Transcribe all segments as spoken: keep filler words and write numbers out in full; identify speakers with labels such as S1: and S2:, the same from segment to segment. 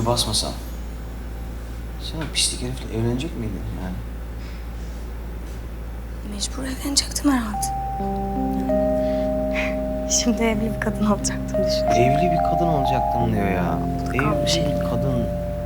S1: gibi basmasam. Sen o pislik herifle evlenecek miydin yani?
S2: Mecbur evlenecektim herhalde. Şimdi evli bir kadın olacaktım düşün.
S1: Evli bir kadın olacaktım diyor ya.
S2: kalmış.
S1: Evli bir kadın.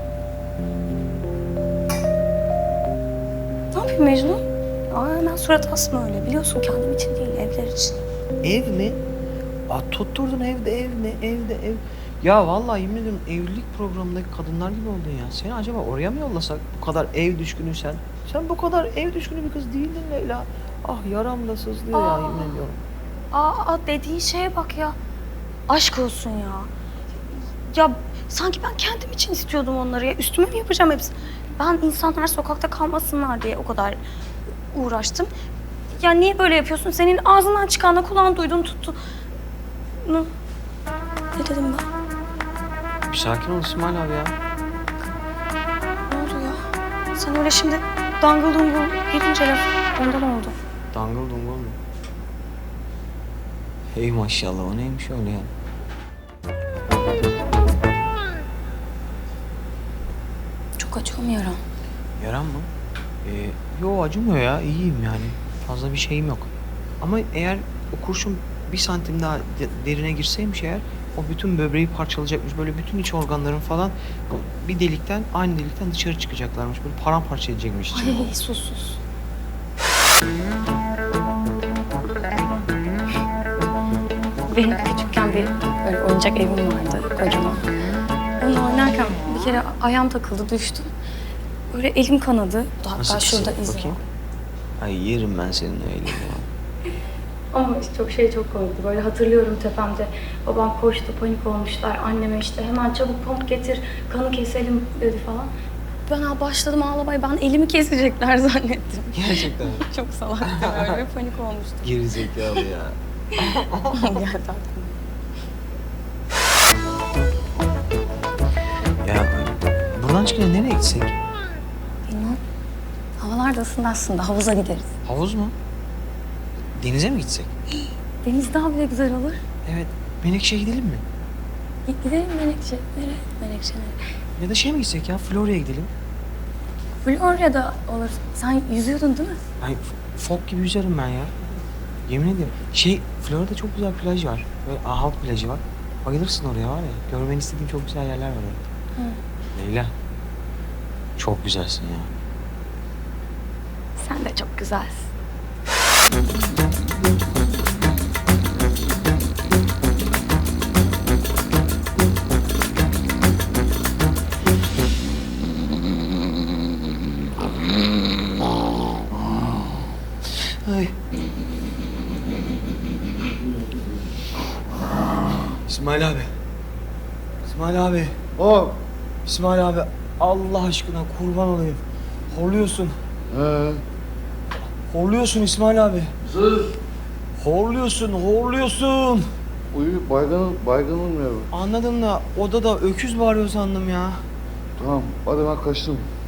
S2: Ne yapayım Mecnun? Aa, hemen surat asma öyle. Biliyorsun kendim için değil, evler için.
S1: Ev mi? Aa, tutturdun evde ev ne? Evde ev. Ya vallahi yemin ediyorum evlilik programındaki kadınlar gibi oldun ya. Seni acaba oraya mı yollasak? Bu kadar ev düşkünü sen. Sen bu kadar ev düşkünü bir kız değildin Leyla. Ah yaram da sızlıyor ya
S2: Aa.
S1: yemin ediyorum.
S2: Aa, dediğin şeye bak ya. Aşk olsun ya. Ya sanki ben kendim için istiyordum onları ya. Üstüme mi yapacağım hepsini? Ben insanlar sokakta kalmasınlar diye o kadar uğraştım. Ya niye böyle yapıyorsun? Senin ağzından çıkanla kulağın duydun tuttu. Ne? Ne dedim ben?
S1: Bir sakin ol İsmail abi ya.
S2: Ne oldu ya? Sen öyle şimdi dangıl dungul gidince laf ondan oldu.
S1: Dangıl dungul mu? Hey maşallah o neymiş öyle ya?
S2: Çok acıyor mu yaram?
S1: Yaran mı? Ee, yo acımıyor ya iyiyim yani. Fazla bir şeyim yok. Ama eğer o kurşun bir santim daha de- derine girseymiş eğer o bütün böbreği parçalayacakmış. Böyle bütün iç organların falan bir delikten aynı delikten dışarı çıkacaklarmış. Böyle paramparça edecekmiş içini.
S2: Ay sus sus. Benim küçükken bir böyle oyuncak evim vardı kocaman. Onunla oynarken bir kere ayağım takıldı düştüm. Böyle elim kanadı. Hatta
S1: Nasıl
S2: şurada
S1: kesildi
S2: izi var.
S1: bakayım? Ay yerim ben senin o elini ya.
S2: Ama işte çok şey çok komikti. Böyle hatırlıyorum tepemde. Babam koştu, panik olmuşlar. Anneme işte hemen çabuk pamuk getir, kanı keselim dedi falan. Ben başladım ağlamaya. Ben elimi kesecekler zannettim.
S1: Gerçekten.
S2: Çok salaktım öyle bir panik olmuştum.
S1: Geri zekalı ya.
S2: Geldi aklıma.
S1: Ya buradan çıkınca nereye gitsek?
S2: Bilmem. Havalar da ısındı aslında. Havuza gideriz.
S1: Havuz mu? Denize mi gitsek?
S2: Deniz daha bile güzel olur.
S1: Evet. Menekşe'ye gidelim mi?
S2: Gi- Gidelim Menekşe. Nereye? Menekşe nereye?
S1: Ya da şey mi gitsek ya? Florya'ya gidelim.
S2: Florya'da olur. Sen yüzüyordun değil mi?
S1: Ay fok gibi yüzerim ben ya. Yemin ediyorum. Şey Florya'da çok güzel plaj var. Böyle halk plajı var. Bayılırsın oraya var ya. Görmeni istediğim çok güzel yerler var orada.
S2: Hı.
S1: Leyla. Çok güzelsin ya.
S2: Sen de çok güzelsin.
S1: Ay. İsmail abi. İsmail abi.
S3: Hop.
S1: İsmail abi. Allah aşkına kurban olayım. Horluyorsun.
S3: Ee,
S1: Horluyorsun İsmail abi.
S3: zır.
S1: Horluyorsun, horluyorsun.
S3: Uyu baygın, baygınım ya.
S1: Anladın da odada öküz bağırıyor sandım ya.
S3: Tamam hadi ben kaçtım.